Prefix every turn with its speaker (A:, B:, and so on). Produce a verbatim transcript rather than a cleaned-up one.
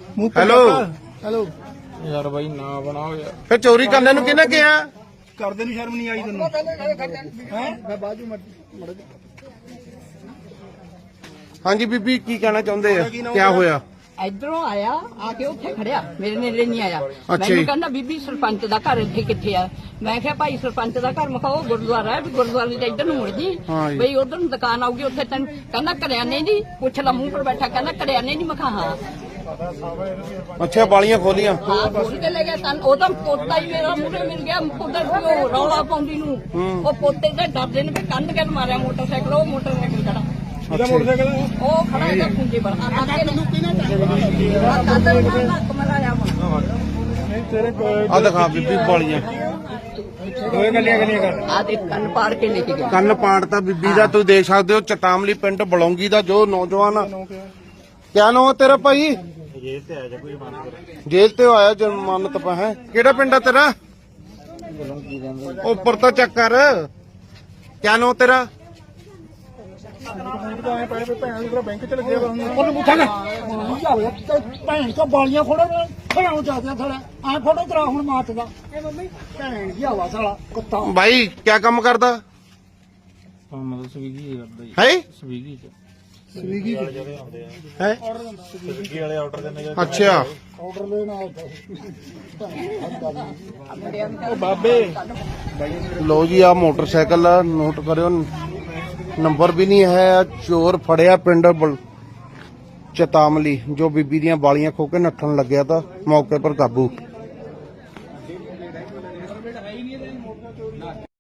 A: Hello
B: hello
C: ਯਾਰ ਬਾਈ ਨਾ ਬਣਾਓ ਯਾਰ।
A: ਫਿਰ ਚੋਰੀ ਕਰਨ ਨੂੰ ਕਿਹਨੇ ਕਿਹਾ?
B: ਕਰਦੇ ਨੂੰ ਸ਼ਰਮ ਨਹੀਂ ਆਈ ਤੈਨੂੰ ਹੈ ਮੈਂ ਬਾਜੂ ਮੜ
A: ਹਾਂਜੀ ਬੀਬੀ ਕੀ ਕਹਿਣਾ ਚਾਹੁੰਦੇ ਆ? ਕੀ ਹੋਇਆ?
D: ਇਧਰੋਂ ਆਇਆ ਆ ਕੇ ਉੱਥੇ ਖੜਿਆ ਮੇਰੇ ਨੇੜੇ ਨਹੀਂ ਆਇਆ
A: ਅੱਛਾ
D: ਮੈਨੂੰ
A: ਜੀ।
D: ਕਹਿੰਦਾ ਬੀਬੀ ਸਰਪੰਚ ਦਾ ਘਰ ਇੱਥੇ ਕਿੱਥੇ ਆ ਮੈਂ ਕਿਹਾ ਭਾਈ ਸਰਪੰਚ ਦਾ ਘਰ ਮਖਾਓ ਗੁਰਦੁਆਰਾ ਹੈ ਵੀ ਗੁਰਦੁਆਰੇ ਦੇ ਇੱਧਰ ਨੂੰ ਮੁੜ ਜੀ
A: ਹਾਂ ਜੀ।
D: ਬਈ ਉਧਰ ਨੂੰ ਦੁਕਾਨ ਆਊਗੀ ਉੱਥੇ ਤੈਨੂੰ ਕਹਿੰਦਾ ਕਰਿਆਨੇ ਦੀ ਪੁੱਛ ਲਾ ਮੂੰਹ ਪਰ ਬੈਠਾ ਕਹਿੰਦਾ ਕਰਿਆਨੇ ਦੀ ਮਖਾ ਹਾਂ
A: ਅੱਛਾ ਬਾਲੀਆਂ ਖੋਲੀਆਂ।
D: ਹਾਂ ਖੋਲ ਕੇ ਲੈ ਗਿਆ ਤਾਂ ਉਹ ਤਾਂ ਪੋਤਾ ਹੀ ਮੇਰਾ ਮੂਹਰੇ ਮਿਲ ਗਿਆ ਉਧਰ ਉਹ ਰੌਲਾ ਪਾਉਂਦੀ ਨੂੰ ਉਹ ਪੋਤੇ ਦੇ ਡਰਦੇ ਨੇ ਵੀ ਕੰਧ ਕੇ ਮਾਰਿਆ ਮੋਟਰਸਾਈਕਲ ਉਹ ਮੋਟਰਸਾਈਕਲ ਖੜਾ
B: ਇਹਦਾ ਮੋਟਰਸਾਈਕਲ
D: ਉਹ ਖੜਾ ਇਹਦਾ ਪੁੰਜੇ ਬਣ ਆ ਕੇ ਨੂੰ ਕਿਹਨੇ ਕਾਦਰ ਨਾਲ ਹੱਕ ਮਲਾਇਆ
B: ਤੇਰੇ
A: ਆ ਦਿਖਾ ਬੀਬੀ ਬਾਲੀਆਂ।
B: ਦੋਏ ਗੱਲੀਆਂ ਗੱਲੀਆਂ ਕਰ
D: ਆ ਦੇ ਕੰਨ ਪਾੜ ਕੇ ਲੈ ਕੇ ਗਿਆ
A: ਕੰਨ ਪਾੜਤਾ ਬੀਬੀ ਦਾ। ਤੁਸੀਂ ਦੇਖ ਸਕਦੇ ਹੋ ਚਟਾਮਲੀ ਪਿੰਡ ਬਲੌਂਗੀ ਦਾ ਜੋ ਨੌਜਵਾਨ ਆ। ਕਿਆ ਨਾਮ ਹੈ ਤੇਰਾ ਭਾਈ?
C: ਜੇਲ੍ਹ ਤੇ ਆਇਆ ਕੋਈ ਮੰਨ
A: ਜੇਲ੍ਹ ਤੇ ਆਇਆ ਜ਼ਮਾਨਤ ਪਾ ਹੈ। ਕਿਹੜਾ ਪਿੰਡ ਆ ਤੇਰਾ? ਉੱਪਰ ਤਾਂ ਚੱਕ ਕਰ। ਕਿਆ ਨਾਮ ਤੇਰਾ?
B: ਬੈਂਕ ਚ ਲੱਗਿਆ ਉਹਨੂੰ ਪੁੱਛਾਂ ਭੈਣ ਕੋ ਬਾਲੀਆਂ ਫੋੜੋ ਖੜਾਉਂ ਚਾਹਦੇ ਥੋੜਾ ਐ ਫੋਟੋ ਕਰਾ ਹੁਣ ਮਾਤ ਦਾ ਭੈਣ ਕੀ ਹਵਾ ਸਾਲਾ ਕੁੱਤਾ
A: ਭਾਈ ਕਿਆ ਕੰਮ ਕਰਦਾ
C: ਮਤਲਬ ਸਵੀਗੀ ਕਰਦਾ ਜੀ।
A: ਹੈ?
C: ਸਵੀਗੀ ਚ
B: ਸਵੀਗੀ
A: ਹੈ
C: ਸਵੀਗੀ ਵਾਲੇ ਆਰਡਰ ਦਿੰਦੇ ਜਾਂ
A: ਅੱਛਾ
B: ਆਰਡਰ ਲੈਣਾ
C: ਉਹ ਬਾਬੇ
A: ਲੋ ਜੀ ਆ ਮੋਟਰਸਾਈਕਲ ਆ ਨੋਟ ਕਰਿਓ ਨੰਬਰ ਵੀ ਨਹੀਂ ਹੈ। ਚੋਰ ਫੜਿਆ ਪਿੰਡ ਬਲ- ਚਤਾਮਲੀ ਜੋ ਬੀਬੀ ਦੀਆਂ ਬਾਲੀਆਂ ਖੋ ਕੇ ਨੱਠਣ ਲੱਗਿਆ ਤਾਂ ਮੌਕੇ ਪਰ ਕਾਬੂ।